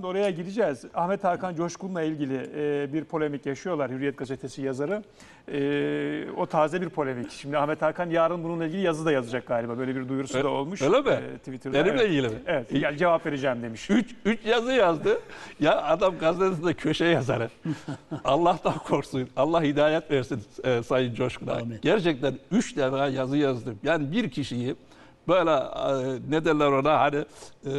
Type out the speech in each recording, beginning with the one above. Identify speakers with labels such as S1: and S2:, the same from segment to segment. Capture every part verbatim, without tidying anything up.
S1: aslında oraya gideceğiz. Ahmet Hakan Coşkun'la ilgili e, bir polemik yaşıyorlar Hürriyet Gazetesi yazarı. E, o taze bir polemik. Şimdi Ahmet Hakan yarın bununla ilgili yazı da yazacak galiba. Böyle bir duyurusu
S2: Öyle,
S1: da olmuş.
S2: Öyle mi?
S1: E, Twitter'da.
S2: Benimle
S1: evet.
S2: ilgili mi?
S1: Evet. Yani cevap vereceğim demiş.
S2: Üç, üç yazı yazdı. Ya adam gazetesinde köşe yazarı. Allah'tan korksun. Allah hidayet versin e, Sayın Coşkun'a. Gerçekten üç defa yazı yazdım. Yani bir kişiyi böyle e, ne derler ona hani e,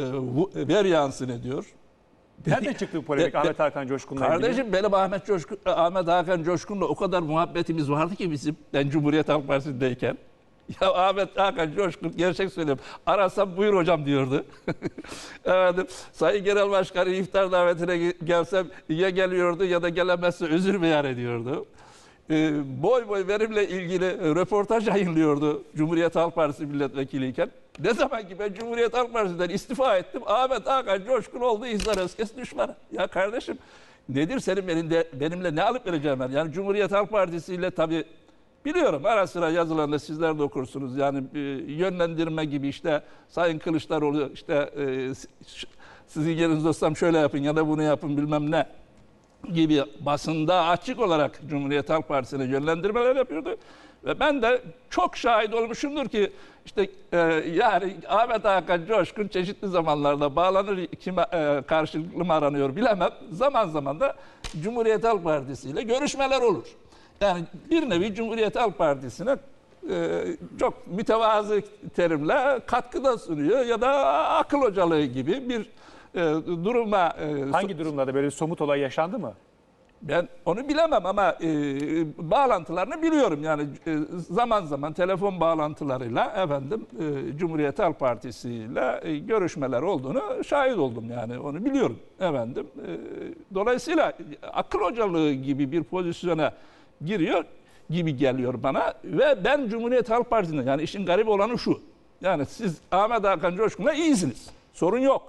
S2: ver yansın ediyor.
S1: Nereden çıktı bu polemik
S2: De,
S1: Ahmet Hakan Coşkun'la ilgili?
S2: Kardeşim benim Ahmet Coşkun, Ahmet Hakan Coşkun'la o kadar muhabbetimiz vardı ki bizim ben Cumhuriyet Halk Partisi'ndeyken. Ya Ahmet Hakan Coşkun gerçek söylüyorum. Arasam buyur hocam diyordu. Efendim, Sayın Genel Başkanı iftar davetine gelsem ya geliyordu ya da gelemezse özür beyan ediyordu. Ee, boy boy benimle ilgili röportaj yayınlıyordu Cumhuriyet Halk Partisi milletvekiliyken. Ne zaman ki ben Cumhuriyet Halk Partisi'nden istifa ettim, Ahmet Hakan Coşkun oldu İhsan Özkes düşmanı. Ya kardeşim nedir senin benimle, benimle ne alıp vereceğim ben? Yani Cumhuriyet Halk Partisi ile tabii biliyorum ara sıra yazılarında sizler de okursunuz. Yani e, yönlendirme gibi işte Sayın Kılıçdaroğlu işte e, sizin yerinizde olsam şöyle yapın ya da bunu yapın bilmem ne gibi basında açık olarak Cumhuriyet Halk Partisi'ne yönlendirmeler yapıyordu. Ve ben de çok şahit olmuşumdur ki işte e, yani Ahmet Hakan Coşkun çeşitli zamanlarda bağlanır, kime e, karşılıklı mı aranıyor bilemem. Zaman zaman da Cumhuriyet Halk Partisi ile görüşmeler olur. Yani bir nevi Cumhuriyet Halk Partisi'ne e, çok mütevazı terimle katkıda sunuyor ya da akıl hocalığı gibi bir e, duruma... E,
S1: Hangi durumlarda böyle bir somut olay yaşandı mı?
S2: Ben onu bilemem ama e, bağlantılarını biliyorum. Yani e, zaman zaman telefon bağlantılarıyla efendim e, Cumhuriyet Halk Partisi ile e, görüşmeler olduğunu şahit oldum yani onu biliyorum efendim. E, dolayısıyla akıl hocalığı gibi bir pozisyona giriyor gibi geliyor bana ve ben Cumhuriyet Halk Partisi'nde yani işin garip olanı şu. Yani siz Ahmet Hakan Coşkun'la iyisiniz. Sorun yok.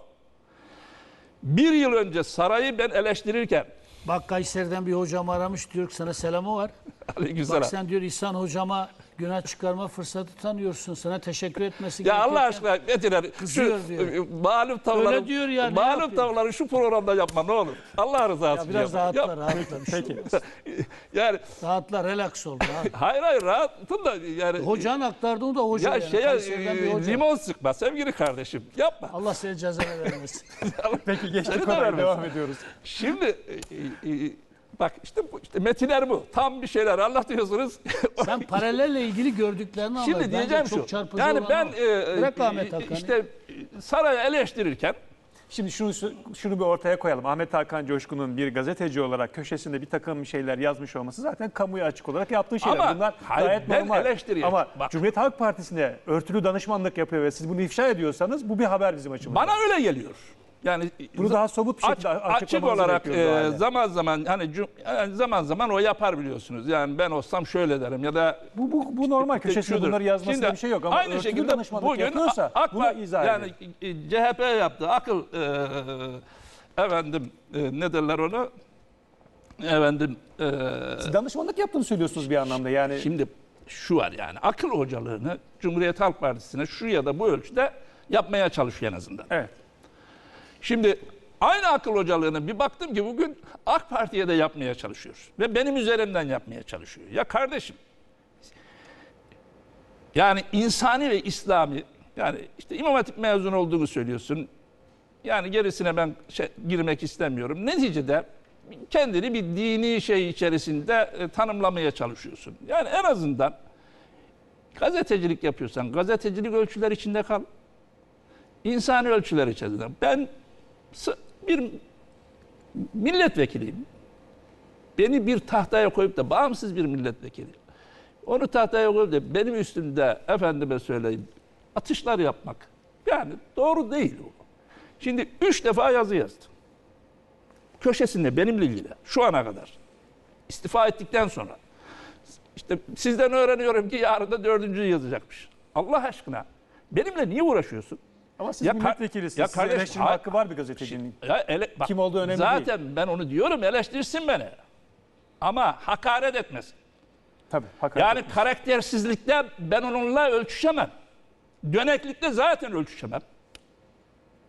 S2: Bir yıl önce sarayı ben eleştirirken
S3: bak Kayseri'den bir hocam aramış diyor ki sana selamı var.
S2: Aleykümselam.
S3: Bak sen diyor İhsan hocama günah çıkarma fırsatı tanıyorsun. Sana teşekkür etmesi
S2: ya
S3: gerekirken.
S2: Allah aşkına Metinler
S3: Kızıyor
S2: şu
S3: diyor.
S2: malum tavları
S3: Öyle diyor ya, ne
S2: malum
S3: yapıyor?
S2: tavları şu programda yapma ne olur. Allah rızası
S3: Ya
S2: için
S3: biraz
S2: yapma.
S3: rahatla,
S2: Yap.
S3: rahatla. Bir şey
S1: Peki.
S3: olmaz.
S2: Yani
S3: Rahatla, relax ol. Rahat.
S2: hayır hayır rahatım da yani
S3: Hocan aktardı o da hoca.
S2: ya
S3: yani.
S2: şeye
S3: Kayseri'den bir
S2: e,
S3: hoca.
S2: limon sıkma sevgili kardeşim yapma.
S3: Allah seni cezanı vermesin.
S1: Peki
S2: Seni
S1: geçtik
S2: de
S1: konuya
S2: vermesin.
S1: devam ediyoruz.
S2: Şimdi e, e, bak işte bu işte metinler bu. Tam bir şeyler anlatıyorsunuz.
S3: Sen paralelle ilgili gördüklerini anlat.
S2: Şimdi
S3: Bence
S2: diyeceğim
S3: çok
S2: şu.
S3: çarpıcı
S2: Yani
S3: olan
S2: ben
S3: o.
S2: e,
S3: Bırak
S2: e,
S3: Ahmet Hakan'ı.
S2: işte sarayı eleştirirken
S1: Şimdi şunu şunu bir ortaya koyalım. Ahmet Hakan Coşkun'un bir gazeteci olarak köşesinde bir takım şeyler yazmış olması zaten kamuya açık olarak yaptığı şeyler.
S2: Ama
S1: Bunlar
S2: hayır,
S1: gayet
S2: ben
S1: normal.
S2: eleştiriyorum.
S1: Ama
S2: Bak.
S1: Cumhuriyet Halk Partisi'ne örtülü danışmanlık yapıyor ve siz bunu ifşa ediyorsanız bu bir haber bizim açımızdan.
S2: bana öyle geliyor. Yani
S1: Bunu daha somut bir
S2: aç,
S1: şekilde
S2: açık
S1: açıklamanızı
S2: olarak
S1: bekliyoruz o
S2: e,
S1: halde.
S2: zaman zaman hani cum- yani zaman zaman o yapar biliyorsunuz. Yani ben olsam şöyle derim ya da
S1: Bu, bu, bu normal.
S2: işte
S1: Köşesinde
S2: şudur.
S1: bunları yazmasında
S2: Şimdi
S1: bir şey yok ama
S2: aynı
S1: örtülü
S2: şekilde
S1: danışmanlık
S2: bugün
S1: yapıyorsa
S2: AK
S1: bunu
S2: Parti
S1: izah
S2: yani
S1: edin.
S2: e, C H P yaptı akıl e, efendim e, ne derler onu efendim e,
S1: Siz danışmanlık yaptığını söylüyorsunuz bir anlamda yani.
S2: şimdi şu var yani akıl hocalığını Cumhuriyet Halk Partisi'ne şu ya da bu ölçüde yapmaya çalışıyor en azından.
S1: Evet.
S2: Şimdi aynı akıl hocalığını bir baktım ki bugün AK Parti'ye de yapmaya çalışıyor. Ve benim üzerimden yapmaya çalışıyor. Ya kardeşim, yani insani ve İslami, yani işte İmam Hatip mezunu olduğunu söylüyorsun. Yani gerisine ben şey, girmek istemiyorum. Neticede kendini bir dini şey içerisinde e, tanımlamaya çalışıyorsun. Yani en azından gazetecilik yapıyorsan gazetecilik ölçüler içinde kal. İnsani ölçüler içerisinde. Ben bir milletvekiliyim. Beni bir tahtaya koyup da bağımsız bir milletvekili. Onu tahtaya koyup da benim üstümde efendime söyleyeyim atışlar yapmak. Yani doğru değil o. Şimdi üç defa yazı yazdım. Köşesinde benimle ilgili şu ana kadar. İstifa ettikten sonra. İşte sizden öğreniyorum ki yarın da dördüncüyü yazacakmış. Allah aşkına benimle niye uğraşıyorsun?
S1: Ama siz
S2: Ya
S1: milletvekilisiniz.
S2: ya
S1: Sizin
S2: kardeş,
S1: eleştirme
S2: ha-
S1: hakkı var bir gazetecinin.
S2: Ya ele, bak,
S1: Kim olduğu önemli
S2: zaten
S1: değil.
S2: ben onu diyorum eleştirsin beni. Ama hakaret etmesin.
S1: Tabii. Hakaret
S2: Yani
S1: etmiş.
S2: karaktersizlikte ben onunla ölçüşemem. Döneklikte zaten ölçüşemem.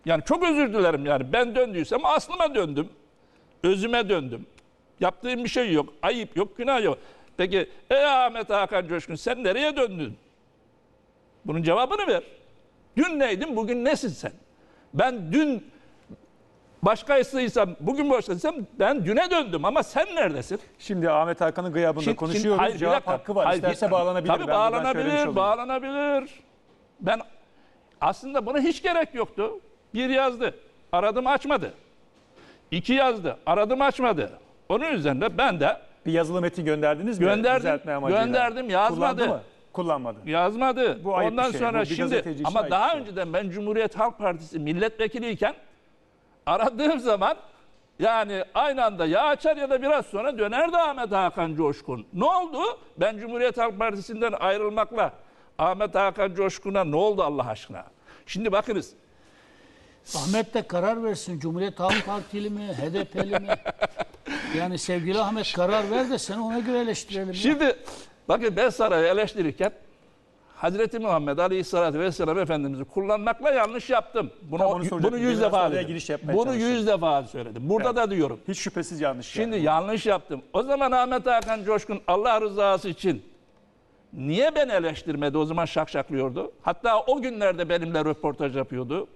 S2: Yani çok özür dilerim yani. Ben döndüysem aslıma döndüm. Özüme döndüm. Yaptığım bir şey yok. Ayıp yok, günah yok. Peki ey Ahmet Hakan Coşkun sen nereye döndün? Bunun cevabını ver. Dün neydin, bugün nesin sen? Ben dün başkasıysam, bugün başkaysam ben düne döndüm ama sen neredesin?
S1: Şimdi Ahmet Hakan'ın gıyabında
S2: Şimdi-
S1: konuşuyoruz.
S2: şimdi- hayır, bir
S1: Cevap
S2: dakika.
S1: hakkı var.
S2: Hayır,
S1: İsterse
S2: bir-
S1: bağlanabilir.
S2: Tabii
S1: Ben buradan söylemiş
S2: bağlanabilir,
S1: olayım.
S2: bağlanabilir. Ben aslında buna hiç gerek yoktu. Bir yazdı, aradım açmadı. İki yazdı, aradım açmadı. Onun üzerine ben de
S1: Bir yazılı metin gönderdiniz mi?
S2: Gönderdim,
S1: Düzeltme amacıyla?
S2: gönderdim, yazmadı.
S1: Kullandı mı? Kullanmadı.
S2: yazmadı.
S1: Bu ayıp
S2: Ondan
S1: bir şey.
S2: sonra
S1: Bu bir
S2: şimdi
S1: gazeteci için
S2: ama
S1: ayıp
S2: daha
S1: bir şey.
S2: önceden ben Cumhuriyet Halk Partisi milletvekiliyken aradığım zaman yani aynı anda ya açar ya da biraz sonra dönerdi Ahmet Hakan Coşkun. Ne oldu? Ben Cumhuriyet Halk Partisi'nden ayrılmakla Ahmet Hakan Coşkun'a ne oldu Allah aşkına? Şimdi bakınız.
S3: Ahmet de karar versin. Cumhuriyet Halk Partili mi, H D P'li mi? Yani sevgili Ahmet karar ver de seni ona göre eleştirelim. ya.
S2: Şimdi bakın ben sarayı eleştirirken Hazreti Muhammed Aleyhisselatü Vesselam Efendimiz'i kullanmakla yanlış yaptım. Bunu,
S1: Tam onu soracaktım.
S2: bunu yüz
S1: Biraz
S2: defa
S1: oraya
S2: dedim.
S1: giriş yapmaya
S2: Bunu
S1: çalıştım.
S2: yüz defa söyledim. Burada
S1: Evet.
S2: da diyorum.
S1: Hiç şüphesiz yanlış.
S2: Şimdi
S1: yani.
S2: yanlış yaptım. O zaman Ahmet Hakan Coşkun Allah rızası için niye beni eleştirmedi? O zaman şakşaklıyordu. Hatta o günlerde benimle röportaj yapıyordu.